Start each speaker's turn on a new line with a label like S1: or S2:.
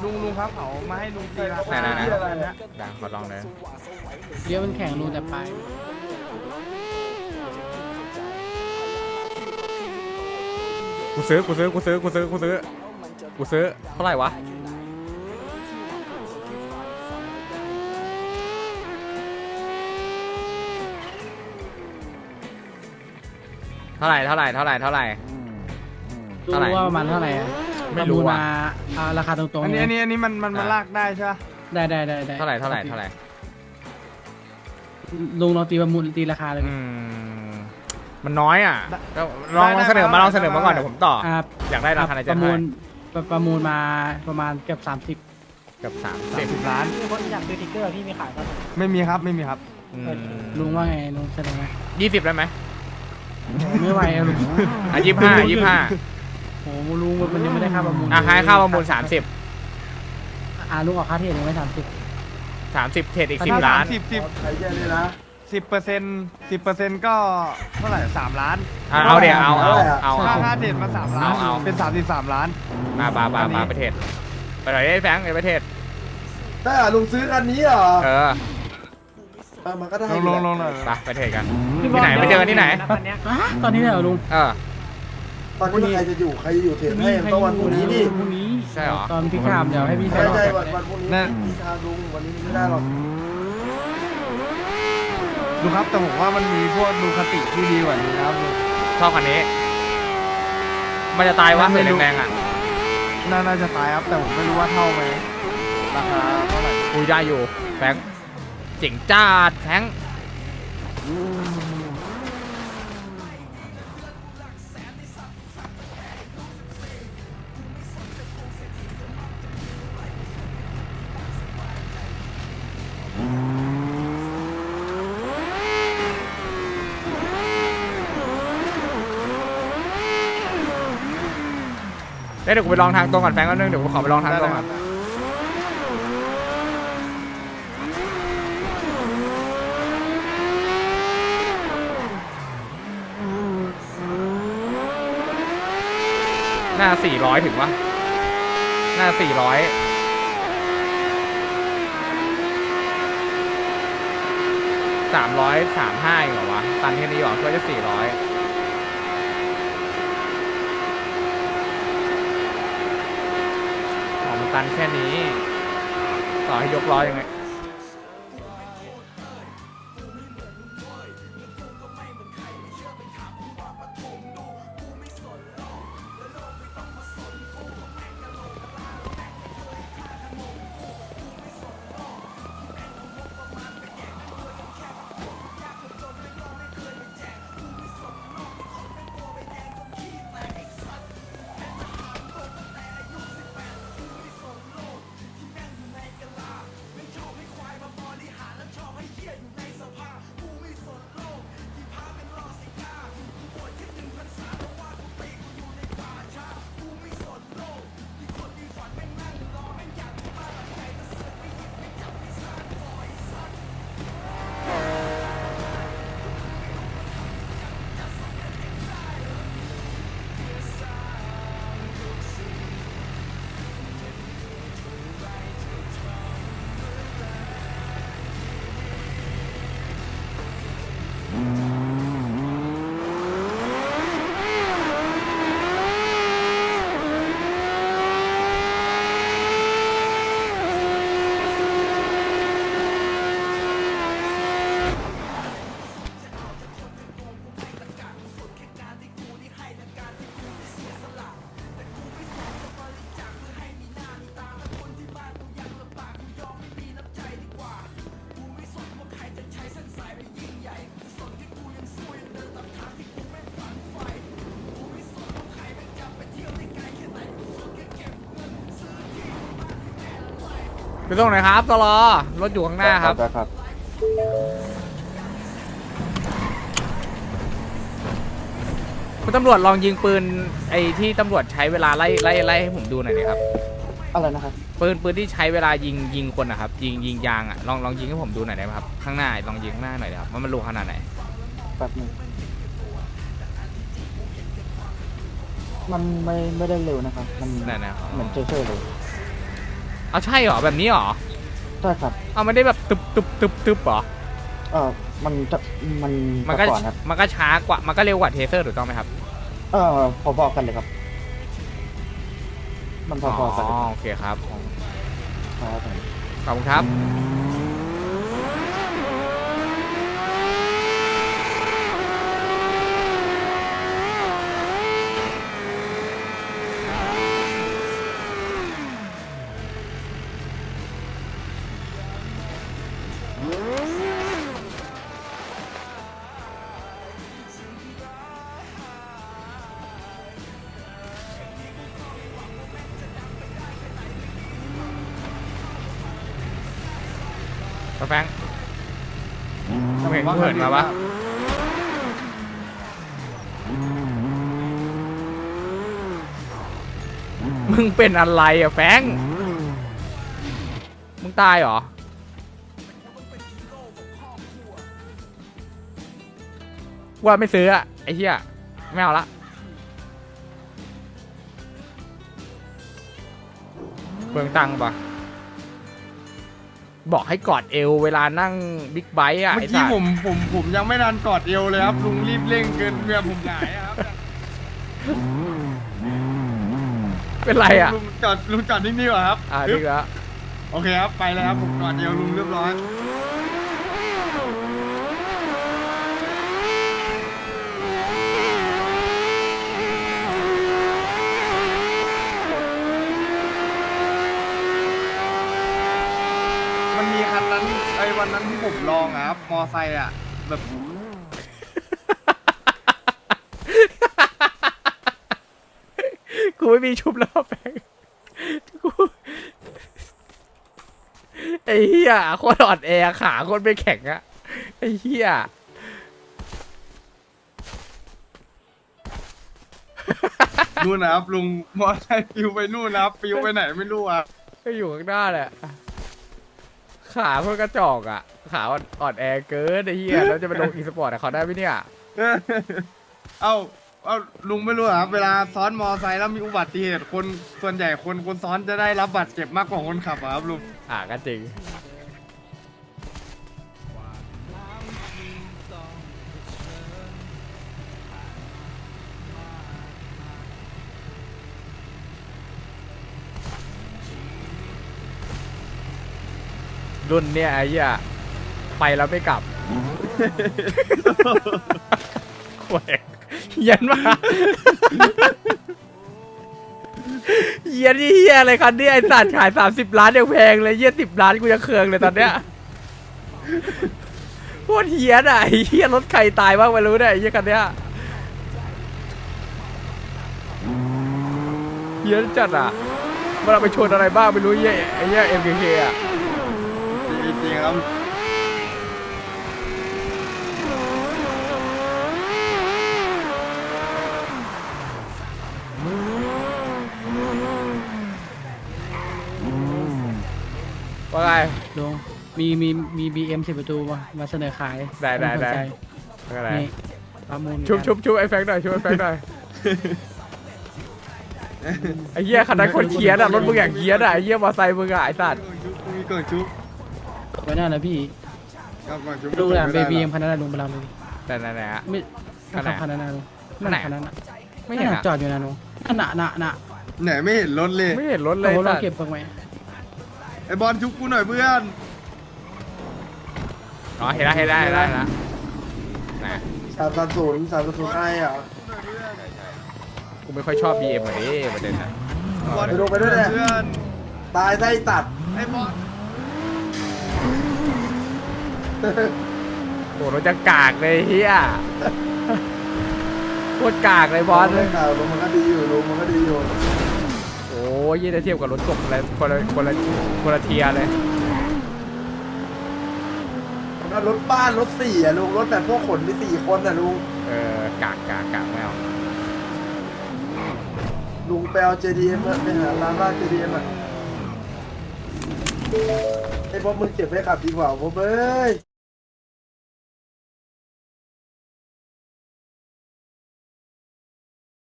S1: ลุงครับเขามาให้ลุงตีราคา
S2: ไหน
S1: อะไรนะ
S2: ดังขอลองเลย
S3: เลี้ยวมันแข็งรูแต่ปลาย
S2: กูซื้อเท่าไหร่วะเท่าไหร่
S3: รู้ว่าประมาณเท่าไหร่อะ
S2: ไม่รู้
S3: ปะ
S2: ว่ะ
S3: มาราคาตรงๆ
S1: อัน
S3: เลย
S1: นี้มันลากได้ใช่ปะ
S3: ได้
S2: เท่าไหร่
S3: ลุงลองตีประมูลตีราคาเลย
S2: มันน้อยอ่ะลองเสนอมาก่อนเดี๋ยวผมต่อ
S3: อ่า
S2: อยากได้ราคาไหน
S3: ป
S2: จะ
S3: ระ
S2: ให้
S3: มูลประมูลมาประมาณเกือบ30
S2: เกับ
S1: 30 ล้าน
S4: มีคนอยากซื้อติ๊กเกอร์พี่มีขายป่ะ
S1: ไม่มีครับ
S3: ลุงว่าไงลุงเสนอไหม
S2: 20ได้ไหม
S3: ไม่ไหวอะลุง
S2: อ่ะ25
S3: โอ้โหลุงมันยังไม่ได้ค่าประมูล
S2: อ่ะให้ค่าประมูล30
S3: ลุงออกค่าเทรดยังไม่30
S2: เทรดอีก10 ล้าน
S1: ใช้แค่นี้นะ10%ก็เท่าไหร่3 ล้าน
S2: เอาเดี๋ยวเอา
S1: ค่าเด็ดมา3 ล้าน
S2: เอา
S1: เป็น33 ล้าน
S2: มาประเทศไปหน่อยได้แฟงไปประเทศ
S5: ได้ลุงซื้อคันนี้เหรอ มันก็ได้
S1: ลงหน่อย
S2: ไปประเทศกันที่ไหนไปเจอกันที่ไหน
S3: ตอนนี้เลยเหรอลุง
S5: ตอนนี้ใครจะอยู่เทรดให้ต้องวันพรุ่งนี้นี่
S3: พรุ่งนี้
S2: ใช่เหรอ
S3: ตอนพี่ขามเดี๋ยวให้พี่แฟ
S5: ใช่
S3: น
S5: ใช่วันพรุ่งนี้พี่ชาลุงวันนี้ไม่ได้หรอก
S1: ดูครับแต่ผมว่ามันมีพวกดูคติที่ดีกว่านี้นะครับลุง
S2: ชอบคันนี้ มันจะตายวะเสียแรงๆอ่ะ
S1: น่าจะตายครับแต่ผมไม่รู้ว่าเท่าไหมราคาเท่าไหร่
S2: คุยได้อยู่แฟงเจ๋งจ้าดแฟงเดี๋ยวกูไปลองทางตรงก่อนแฟงก็นึงเดี๋ยวกูขอไปลองทางตรงก่อนหน้า400ถึงวะหน้า400 335เหรอวะตันแค่นี้หรอก็จะ400มันตันแค่นี้ต่อให้ยกล้อยังไงไปส่งหน่อยครับตลอรถอยู่ข้างหน้าครับคุณตำรวจลองยิงปืนไอ้ที่ตำรวจใช้เวลาไล่ให้ผมดูหน่อยดิครับ
S4: อะไรนะครับ
S2: ปืนที่ใช้เวลายิงคนนะครับยิงยางอ่ะลองยิงให้ผมดูหน่อยได้ไหมครับข้างหน้าลองยิงข้างหน้าหน่อยครับว่ามันรูขนาดไหน
S4: แบบนึงมันไม่ได้เร็วนะครับมัน
S2: นั่นนะครับ
S4: เหมือนเฉยๆเลย
S2: เอาใช่เหรอแบบนี้เหรอ
S4: ใช่ครับ
S2: เอาไม่ได้แบบตึบเหรอ
S4: มันจะมัน
S2: มันก็
S4: ก่อนครับ
S2: มันก็ช้ากว่ามันก็เร็วกว่าเทเซอร์ถูกต้องไหมครับ
S4: พอๆกันเลยครับ มันพอๆกันเลย
S2: โอเคครับ
S4: ครับผม
S2: ขอบคุณครับป้าแฟงไม่เห็นเหินมาวะมึงเป็นอะไรอ่ะแฟงมึงตายเหรอว่าไม่ซื้ออะไอ้เหี้ยไม่เอาละเปลืองตังค์ปะบอกให้กอดเอวเวลานั่งบิ๊กไบค์อ่ะ
S1: เมื่อ
S2: ไอ้
S1: กี้
S2: สัส
S1: ผมยังไม่ทันกอดเอวเลยครับลุงรีบเร่งเกินเมียผมหงายอะครับ
S2: เป็นไรอ่ะ
S1: ลุงจอดนิ่งๆก่อนครับ
S2: ดีแล้ว
S1: โอเคครับไปเลยครับผมกอดเอวลุงเรียบร้อยมันมีคันนั้นวันนั้นที่ผมลองอะครับมอไซค์อะแบบ
S2: กูไม่มีชุบแล้วแฟงกูไอ้เหี้ยโคตรอ่อนแอขาโคตรไม่แข็งอะไอ้เหี้ย
S1: นู่นนะครับลุงมอไซค์ปิวไปนู่นนะครับปิวไปไหนไม่รู้อ่ะ
S2: ก็อยู่ข้างหน้าแหละขาโคตรกระจอกอะขาอ่อนแอเกินไอ้เหี้ยแล้วจะไปลงอีสปอร์ตเขาได้ไหมเนี่ย
S1: เอาลุงไม่รู้เหรอครับเวลาซ้อนมอไซค์แล้วมีอุบัติเหตุคนส่วนใหญ่คนซ้อนจะได้รับบาดเจ็บมากกว่าคนขับอะครับลุง
S2: ก็จริงรุ่นเนี่ยไอ้เหี้ยไปแล้วไม่กลับ แหวกเหี้ย็นมากเหี้ย็นนี่เหี้ยอะไรคันนี้ไอ้สัตว์ขาย30 ล้านยังแพงเลยเหี้ย10 ล้านกูจะเคืองเลยตอนเนี้ยโคตรเหี้ยอ่ะไอ้เหี้ยรถใครตายบ้างไม่รู้เนี่ยไอ้เหี้ยคันเนี้ยเหี้ยจัดอ่ะมันเอาไปชนอะไรบ้างไม่รู้เหี้ยไอ้เหี้ย MKK อ่ะ
S1: จริงๆครับ
S2: ว่าไง
S3: ลุงมีBM 10 ประตูมาเสนอขาย
S2: ได้
S3: สนใจ
S2: ว่าไง
S3: นี่ประมูล
S2: ชุบไอ้แฟงหน่อยชุบไอ้แฟงหน่อยไอ้เหี้ยคันนั้นคนเคียนอ่ะรถมึงอย่างเคียนอ่ะไอ้เหี้ยมอเตอร์ไซค์มึงอ่ะไอ้สัตว์
S1: มีก่อนชุบ
S3: ไว้หน้านะพี่
S1: ครับก่อนชุบ
S3: ลุงแหละ
S1: ไม่ได้
S3: BM คันนั้นนะลุงเวลาเลย
S2: แต่ไหนๆฮะ
S3: ไม่
S2: คันไหน
S3: คันนั้นนะลุง
S2: คันไหน
S3: คันนั้นน่ะ
S2: ไม่เห็น
S3: นั่น
S2: อ่ะ
S3: น่ะจอดอยู่นะลุงนั่นน่ะ
S1: ไหนไม่เห็นรถเลย
S2: ไม่เห็นรถเล
S3: เรา
S2: ย
S3: เรา
S2: สัตว์
S3: เก็บตรงไหน
S1: ไอบอลชุบกูหน่อยเพื่อน
S2: อ๋อเห็นแล้วนะ
S5: 330ไอ้อ่ะ
S2: กูไม่ค่อยชอบ BM อ่ะดิประเด็นอ่ะ
S1: บอล
S5: ไปดูไปด้วยเนี่ย
S1: เพื่อน
S5: ตายไส้ตัด
S1: ไอบอล
S2: โอ้รถจะกากเลยเฮียโคตรกากเลยบอส
S5: ไม่ข่าวลุงมันก็ดีอยู่ลุงมันก็ดีอยู่
S2: โอ้ยยี่จะเทียบกับรถกบอะไรคนละเทียร์เลย
S5: รถบ้านรถสี่อ่ะลุงรถแบบพวกขนมี4 คนอ่ะลุง
S2: กากไม่เอา
S5: ลุงไปเอา JDM ไปหาร้านบ้าน JDM อ่ะไอ้พวกมึงเก็บไว้ขับดีกว่าพวกเอ้ย